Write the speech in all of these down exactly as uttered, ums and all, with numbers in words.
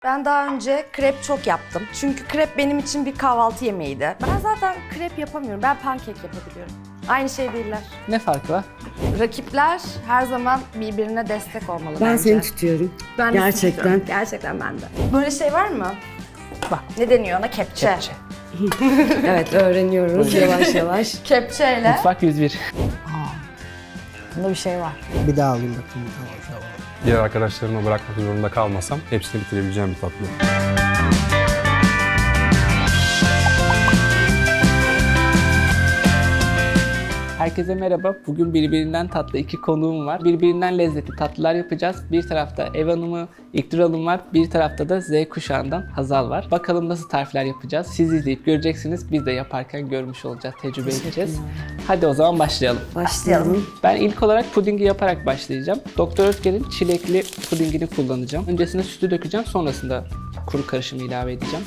Ben daha önce krep çok yaptım. Çünkü krep benim için bir kahvaltı yemeğiydi. Ben zaten krep yapamıyorum. Ben pankek yapabiliyorum. Aynı şey değiller. Ne farkı var? Rakipler her zaman birbirine destek olmalı Ben bence. seni tutuyorum. Ben de sizi Gerçekten. tutuyorum. Gerçekten ben de. Böyle şey var mı? Bak. Ne deniyor ona? Kepçe. Kepçe. Evet, öğreniyoruz yavaş yavaş. Kepçeyle. Mutfak yüz bir. Bunda bir şey var. Bir daha alayım bakayım. Tamam, tamam. Diğer arkadaşlarıma bırakmak zorunda kalmasam hepsini bitirebileceğim bir tatlı. Herkese merhaba. Bugün birbirinden tatlı iki konuğum var. Birbirinden lezzetli tatlılar yapacağız. Bir tarafta ev hanımı İlknur Hanım var. Bir tarafta da Z kuşağından Hazal var. Bakalım nasıl tarifler yapacağız. Siz izleyip göreceksiniz. Biz de yaparken görmüş olacağız, tecrübe edeceğiz. Hadi o zaman başlayalım. Başlayalım. Ben ilk olarak pudingi yaparak başlayacağım. Doktor Ötker'in çilekli pudingini kullanacağım. Öncesinde sütü dökeceğim, sonrasında kuru karışımı ilave edeceğim.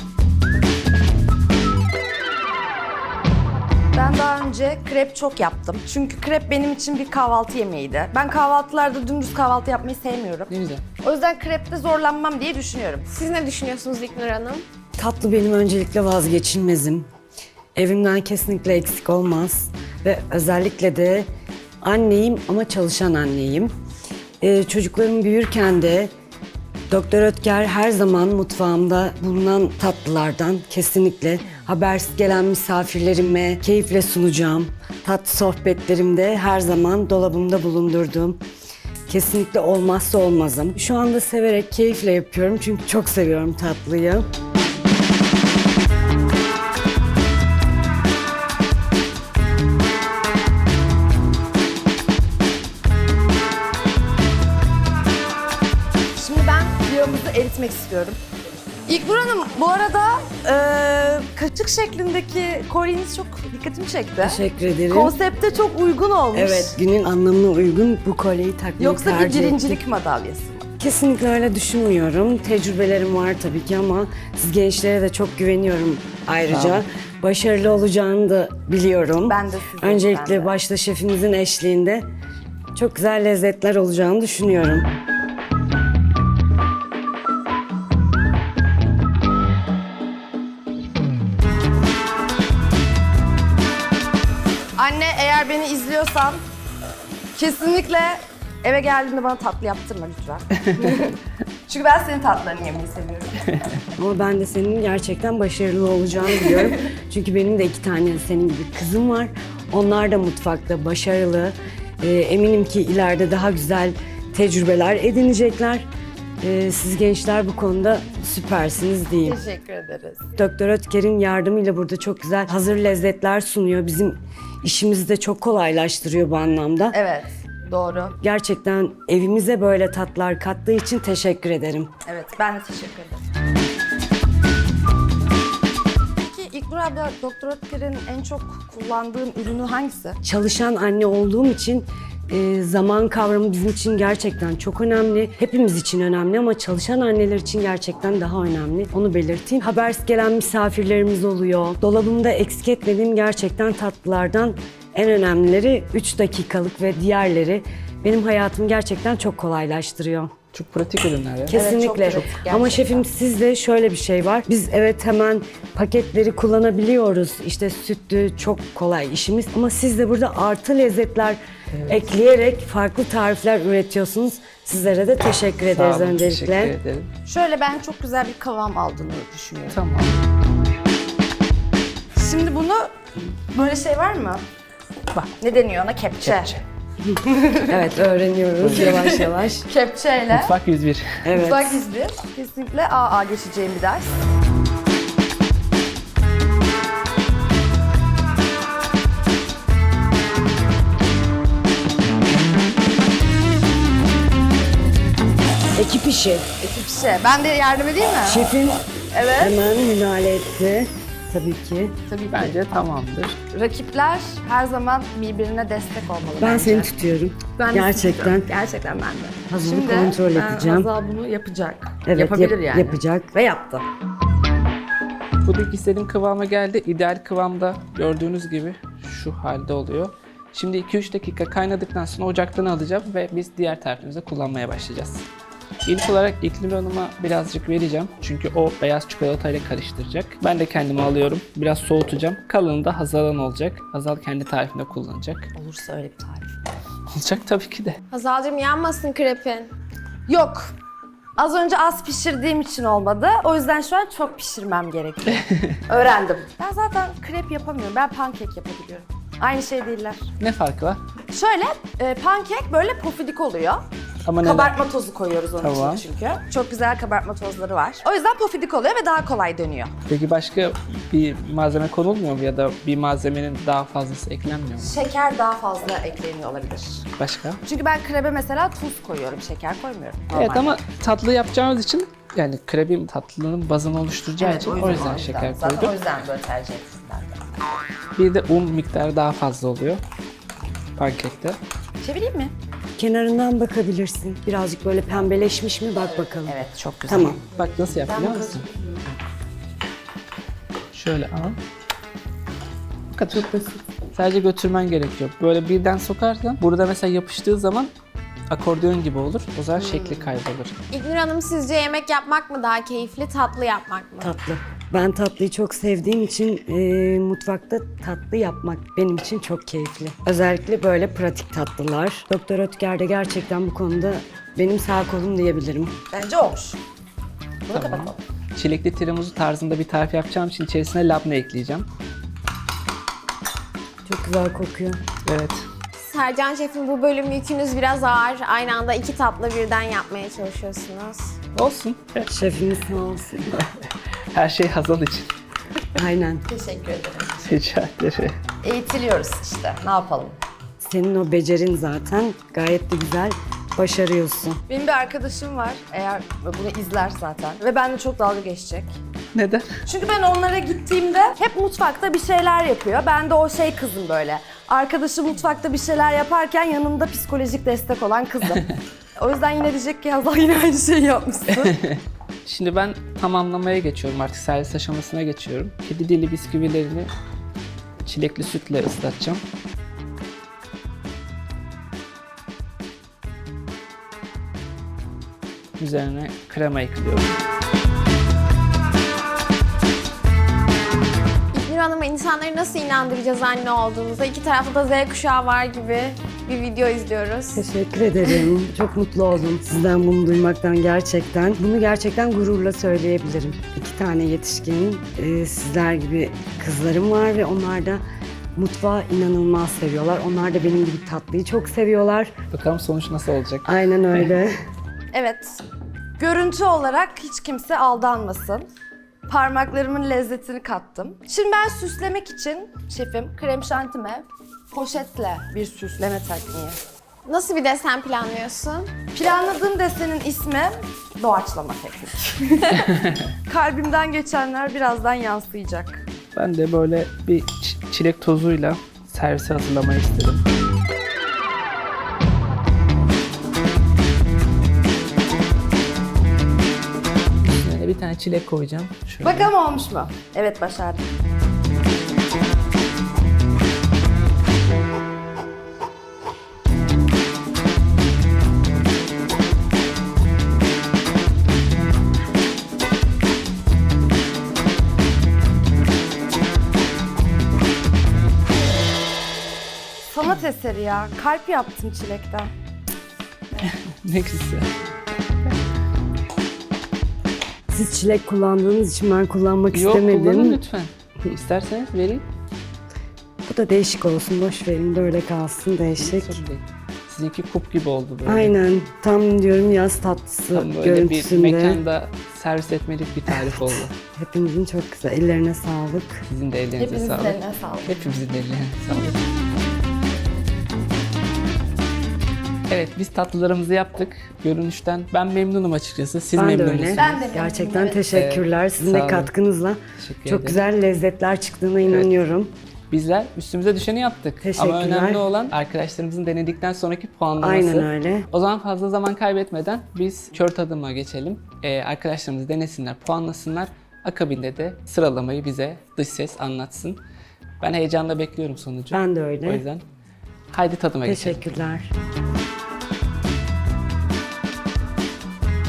Ben daha önce krep çok yaptım. Çünkü krep benim için bir kahvaltı yemeğiydi. Ben kahvaltılarda dümdüz kahvaltı yapmayı sevmiyorum. Ne güzel. O yüzden krepte zorlanmam diye düşünüyorum. Siz ne düşünüyorsunuz İlknur Hanım? Tatlı benim öncelikle vazgeçilmezim. Evimden kesinlikle eksik olmaz. Ve özellikle de anneyim ama çalışan anneyim. Ee, çocuklarım büyürken de Doktor Ötker her zaman mutfağımda bulunan tatlılardan kesinlikle habersiz gelen misafirlerime keyifle sunacağım. Tatlı sohbetlerimde her zaman dolabımda bulundurduğum kesinlikle olmazsa olmazım. Şu anda severek, keyifle yapıyorum çünkü çok seviyorum tatlıyı. Şimdi ben yağımızı eritmek istiyorum. İlknur Hanım, bu arada e, kaşık şeklindeki kolyeniz çok dikkatimi çekti. Teşekkür ederim. Konsepte çok uygun olmuş. Evet, günün anlamına uygun bu kolyeyi takmayı Yoksa bir tercih birincilik ettim. madalyası mı? Kesinlikle öyle düşünmüyorum. Tecrübelerim var tabii ki ama siz gençlere de çok güveniyorum ayrıca. Başarılı olacağını da biliyorum. Ben de sizin, Öncelikle ben de. başta şefimizin eşliğinde çok güzel lezzetler olacağını düşünüyorum. Anne, eğer beni izliyorsan kesinlikle eve geldiğinde bana tatlı yaptırma lütfen. Çünkü ben senin tatlılarını yemeyi seviyorum. Ama ben de senin gerçekten başarılı olacağını biliyorum. Çünkü benim de iki tane senin gibi kızım var. Onlar da mutfakta başarılı. Ee, eminim ki ileride daha güzel tecrübeler edinecekler. Ee, siz gençler bu konuda süpersiniz diyeyim. Teşekkür ederiz. Doktor Ötker'in yardımıyla burada çok güzel hazır lezzetler sunuyor. Bizim işimizi de çok kolaylaştırıyor bu anlamda. Evet, doğru. Gerçekten evimize böyle tatlar kattığı için teşekkür ederim. Evet, ben de teşekkür ederim. Peki İlknur abla, Doktor Ötker'in en çok kullandığın ürünü hangisi? Çalışan anne olduğum için e, zaman kavramı bizim için gerçekten çok önemli. Hepimiz için önemli ama çalışan anneler için gerçekten daha önemli. Onu belirteyim. Habersiz gelen misafirlerimiz oluyor. Dolabımda eksik etmediğim gerçekten tatlılardan en önemlileri üç dakikalık ve diğerleri benim hayatımı gerçekten çok kolaylaştırıyor. Çok pratik ürünler ya. Kesinlikle. çok pratik, Ama gerçekten. şefim sizde şöyle bir şey var. Biz evet hemen paketleri kullanabiliyoruz. İşte sütlü çok kolay işimiz. Ama siz de burada artı lezzetler ekleyerek farklı tarifler üretiyorsunuz. Sizlere de teşekkür Sağ ederiz olun, öncelikle. teşekkür ederim. Şöyle ben çok güzel bir kıvam aldığını düşünüyorum. Tamam. Şimdi bunu, böyle şey var mı? Bak. Ne deniyor ona? Kepçe. Kepçe. Evet, öğreniyoruz yavaş yavaş. Kepçeyle. Mutfak yüz bir. Evet. Mutfak izli. Kesinlikle A A geçeceğim bir ders. Ekip işi. Ekip işe. Ben de yardım edeyim mi? Şefim Evet. hemen müdahale etti. Tabii ki. Tabii ki. Bence tamamdır. Rakipler her zaman birbirine destek olmalı Ben bence. seni tutuyorum. Ben de Gerçekten. tutuyorum. Gerçekten ben de. Hazal'ı Şimdi kontrol e, edeceğim. Hazal bunu yapacak. Evet, Yapabilir yap- yani. yapacak. Ve yaptı. Puding istediğim kıvama geldi. İdeal kıvamda gördüğünüz gibi şu halde oluyor. Şimdi iki üç dakika kaynadıktan sonra ocaktan alacağım ve biz diğer tarifimize kullanmaya başlayacağız. İlk olarak İknur Hanım'a birazcık vereceğim. Çünkü o beyaz çikolatayla karıştıracak. Ben de kendime alıyorum. Biraz soğutacağım. Kalanı da Hazal'ın olacak. Hazal kendi tarifinde kullanacak. Olursa öyle bir tarif. Olacak tabii ki de. Hazal'cığım yanmasın krepin. Yok. Az önce az pişirdiğim için olmadı. O yüzden şu an çok pişirmem gerekiyor. Öğrendim. Ben zaten krep yapamıyorum. Ben pankek yapabiliyorum. Aynı şey değiller. Ne farkı var? Şöyle, e, pankek böyle pofidik oluyor. Ama neden? Kabartma tozu koyuyoruz onun Tamam. için çünkü. Çok güzel kabartma tozları var. O yüzden pofidik oluyor ve daha kolay dönüyor. Peki başka bir malzeme konulmuyor mu ya da bir malzemenin daha fazlası eklenmiyor mu? Şeker daha fazla ekleniyor olabilir. Başka? Çünkü ben krebe mesela tuz koyuyorum, şeker koymuyorum. Evet Normalde. ama tatlı yapacağımız için yani krebin tatlının bazını oluşturacağı Evet, için o yüzden, şeker Zaten koydum. o yüzden böyle tercih ettim ben de. Bir de un miktarı daha fazla oluyor pankekte. Çevireyim mi? Kenarından bakabilirsin. Birazcık böyle pembeleşmiş mi bak bakalım. Evet, çok güzel. Tamam. Bak nasıl yap biliyor musun? Şöyle al. Bu kadar. Çok basit. Sadece götürmen gerekiyor. Böyle birden sokarsan burada mesela yapıştığı zaman akordeon gibi olur. O zaman şekli kaybolur. İlknur Hanım sizce yemek yapmak mı daha keyifli, tatlı yapmak mı? Tatlı. Ben tatlıyı çok sevdiğim için e, mutfakta tatlı yapmak benim için çok keyifli. Özellikle böyle pratik tatlılar. Doktor Ötker de gerçekten bu konuda benim sağ kolum diyebilirim. Bence olmuş. Bunu Tamam. kapatalım. Çilekli tiramisu tarzında bir tarif yapacağım için içerisine labne ekleyeceğim. Çok güzel kokuyor. Evet. Sercan Şef'in bu bölüm yükünüz biraz ağır. Aynı anda iki tatlı birden yapmaya çalışıyorsunuz. Olsun. Şefimiz sağ olsun. Her şey Hazal için. Aynen. Teşekkür ederim. Rica ederim. Eğitiliyoruz işte. Ne yapalım? Senin o becerin zaten gayet de güzel başarıyorsun. Benim bir arkadaşım var. Eğer bunu izler zaten. Ve benimle çok dalga geçecek. Neden? Çünkü ben onlara gittiğimde hep mutfakta bir şeyler yapıyor. Ben de o şey kızım böyle. Arkadaşı mutfakta bir şeyler yaparken yanımda psikolojik destek olan kızım. O yüzden yine diyecek ki Hazal yine aynı şeyi yapmışsın. Şimdi ben tamamlamaya geçiyorum. Artık servis aşamasına geçiyorum. Kedi dili bisküvilerini çilekli sütle ıslatacağım. Üzerine krema ekliyorum. İlknur Hanım'a insanları nasıl inandıracağız anne olduğumuza? İki tarafta da Z kuşağı var gibi bir video izliyoruz. Teşekkür ederim. Çok mutlu oldum sizden bunu duymaktan gerçekten. Bunu gerçekten gururla söyleyebilirim. İki tane yetişkin, e, sizler gibi kızlarım var ve onlar da mutfağı inanılmaz seviyorlar. Onlar da benim gibi tatlıyı çok seviyorlar. Bakalım sonuç nasıl olacak? Aynen öyle. Evet. Görüntü olarak hiç kimse aldanmasın. Parmaklarımın lezzetini kattım. Şimdi ben süslemek için şefim krem şantime poşetle bir süsleme tekniği. Nasıl bir desen planlıyorsun? Planladığım desenin ismi doğaçlama teknik. Kalbimden geçenler birazdan yansıyacak. Ben de böyle bir ç- çilek tozuyla servise hazırlamayı istedim. Üstüne bir tane çilek koyacağım. Şöyle. Bakalım olmuş mu? Evet, başardım. Sanat eseri ya. Kalp yaptım çilekten. Ne güzel. Siz çilek kullandığınız için ben kullanmak Yok, kullanın istemedim. lütfen. İsterseniz vereyim. Bu da değişik olsun. Boş verin. Böyle kalsın değişik. Sorun değil. Sizinki kup gibi oldu böyle. Aynen. Tam diyorum yaz tatlısı Tam böyle bir görüntüsünde. mekanda servis etmelik bir tarif oldu. Hepinizin çok güzel. Ellerine sağlık. Sizin de ellerinize Hepinizin sağlık. eline sağlık. Hepimizin ellerine sağlık. Evet, biz tatlılarımızı yaptık. Görünüşten ben memnunum açıkçası. Siz Ben de memnun öyle. musunuz? Ben de memnunum, Gerçekten evet. teşekkürler. Sizin sağ de olun. katkınızla Teşekkür çok ederim. güzel lezzetler çıktığına inanıyorum. Bizler üstümüze düşeni yaptık. Teşekkürler. Ama önemli olan arkadaşlarımızın denedikten sonraki puanlaması. Aynen öyle. O zaman fazla zaman kaybetmeden biz kör tadıma geçelim. Ee, arkadaşlarımız denesinler, puanlasınlar. Akabinde de sıralamayı bize dış ses anlatsın. Ben heyecanla bekliyorum sonucu. Ben de öyle. O yüzden haydi tadıma geçelim. Teşekkürler.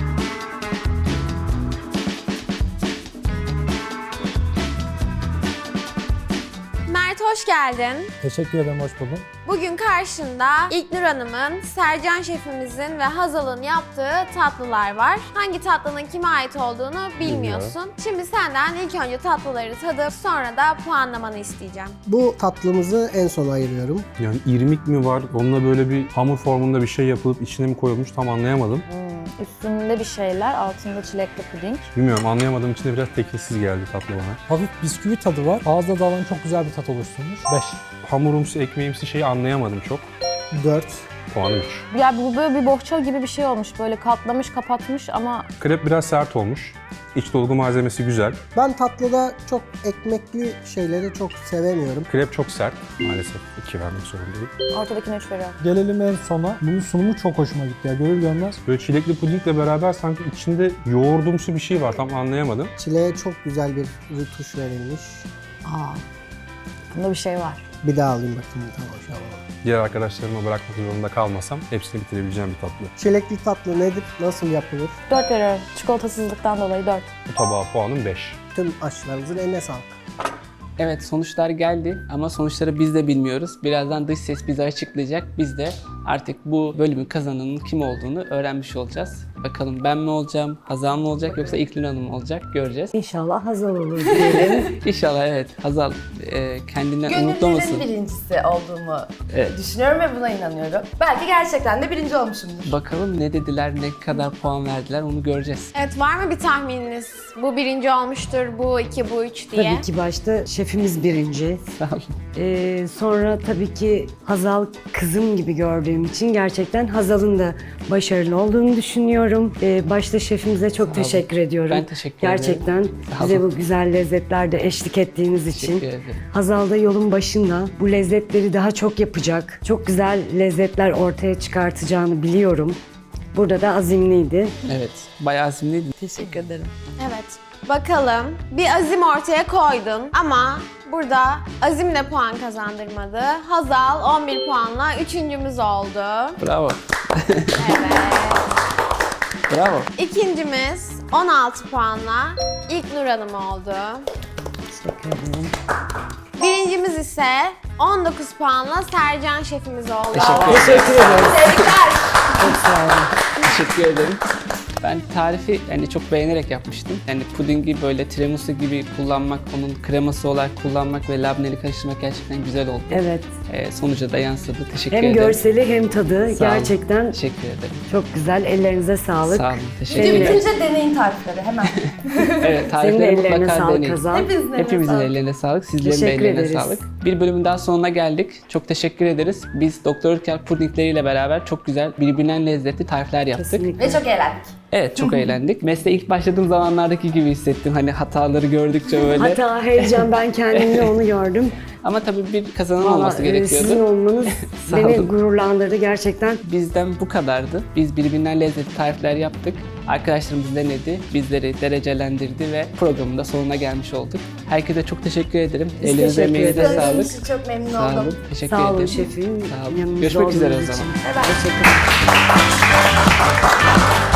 hoş geldin. Teşekkür ederim, hoş buldum. Bugün karşında İlknur Hanım'ın, Sercan şefimizin ve Hazal'ın yaptığı tatlılar var. Hangi tatlının kime ait olduğunu bilmiyorsun. Şimdi senden ilk önce tatlıları tadıp sonra da puanlamanı isteyeceğim. Bu tatlımızı en sona ayırıyorum. Yani irmik mi var, onunla böyle bir hamur formunda bir şey yapılıp içine mi koyulmuş tam anlayamadım. Üstünde bir şeyler, altında çilekli puding. Bilmiyorum, anlayamadığım için de biraz tekinsiz geldi tatlı bana. Hafif bisküvi tadı var. Ağızda dağılan çok güzel bir tat oluşturmuş. beş. Hamurumsu, ekmeğimsi şeyi anlayamadım çok. dört. Puanı üç. Ya bu böyle bir bohça gibi bir şey olmuş. Böyle katlamış, kapatmış ama Krep biraz sert olmuş. İç dolgu malzemesi güzel. Ben tatlıda çok ekmekli şeyleri çok sevemiyorum. Krep çok sert. Maalesef iki vermek zorundayım. ortadakine üç veriyorum. Gelelim en sona. Bunun sunumu çok hoşuma gitti ya. Görür görmez. Böyle çilekli pudingle beraber sanki içinde yoğurdumsu bir şey var. Tam anlayamadım. Çileğe çok güzel bir rütuş verilmiş. Aa, bunda bir şey var. Bir daha alayım bakayım. Tamam, şu an. Diğer arkadaşlarıma bırakmak zorunda kalmasam hepsini bitirebileceğim bir tatlı. Çilekli tatlı nedir? Nasıl yapılır? dört veriyorum. Çikolatasızlıktan dolayı dört. Bu tabağa puanım beş. Tüm aşçılarımızın eline sağlık. Evet, sonuçlar geldi ama sonuçları biz de bilmiyoruz. Birazdan dış ses bize açıklayacak. Biz de artık bu bölümün kazananının kim olduğunu öğrenmiş olacağız. Bakalım ben mi olacağım, Hazal mı olacak yoksa İlknur Hanım mı olacak göreceğiz. İnşallah Hazal olur diyelim. İnşallah evet. Hazal e, kendinden umutlamasın. Gönüllerin birincisi olduğumu Evet. düşünüyorum ve buna inanıyorum. Belki gerçekten de birinci olmuşumdur. Bakalım ne dediler, ne kadar puan verdiler onu göreceğiz. Evet, var mı bir tahmininiz? Bu birinci olmuştur, bu iki, bu üç diye. Tabii ki başta şefimiz birinci. Sağ olun. Ee, sonra tabii ki Hazal kızım gibi gördüğüm için gerçekten Hazal'ın da başarılı olduğunu düşünüyorum. Ee, başta şefimize çok olun. teşekkür ediyorum. Ben teşekkür ederim. Gerçekten Sağ bize olun. bu güzel lezzetlerde eşlik ettiğiniz için. Teşekkür ederim. Hazal da yolun başında. Bu lezzetleri daha çok yapacak. Çok güzel lezzetler ortaya çıkartacağını biliyorum. Burada da azimliydi. Evet, bayağı azimliydi. Teşekkür ederim. Evet. Bakalım, bir azim ortaya koydun ama burada azimle puan kazandırmadı. Hazal on bir puanla üçüncümüz oldu. Bravo. Evet. Bravo. İkincimiz on altı puanla İlknur Hanım oldu. Teşekkür ederim. Birincimiz ise on dokuz puanla Sercan şefimiz oldu. Teşekkür ederim. Teşekkür ederim. Çok sağ olun. Teşekkür ederim. Ben tarifi yani çok beğenerek yapmıştım. Yani pudingi böyle tiramisu gibi kullanmak, onun kreması olarak kullanmak ve labneli karıştırmak gerçekten güzel oldu. Evet. Ee, sonuca da yansıdı. Teşekkür Hem ederim. görseli hem tadı Sağ olun. gerçekten Teşekkür ederim. çok güzel. Ellerinize sağlık. Sağ olun. Teşekkür Video ederim. bitince deneyin tarifleri hemen. Evet, Senin de tarifleri ellerine mutlaka sağlık deneyin. Hazal. Hepinizin eline Hepimizin sağlık. ellerine sağlık, sizlerin de Teşekkür ellerine ederiz. sağlık. Bir bölümün daha sonuna geldik. Çok teşekkür ederiz. Biz Doktor Ülker pudingleriyle beraber çok güzel, birbirinden lezzetli tarifler yaptık. Kesinlikle. Ve çok eğlendik. Evet, çok eğlendik. Mesleğe ilk başladığım zamanlardaki gibi hissettim. Hani hataları gördükçe böyle. Hata, heyecan, ben kendimde onu gördüm. Ama tabii bir kazanan Vallahi, olması e, gerekiyordu. Sizin olmanız Sağ beni olun. gururlandırdı gerçekten. Bizden bu kadardı. Biz birbirinden lezzetli tarifler yaptık. Arkadaşlarımız denedi, bizleri derecelendirdi ve programın da sonuna gelmiş olduk. Herkese çok teşekkür ederim. Biz Elinize, teşekkür emeğinize ederiz. sağlık. Tanıştığınız için çok memnun Sağ oldum. olun. Teşekkür Sağ olun ederim. şefim. Sağ olun. Yanımızda Görüşmek üzere o olduğunuz zaman. için. Bye bye. Teşekkür ederim.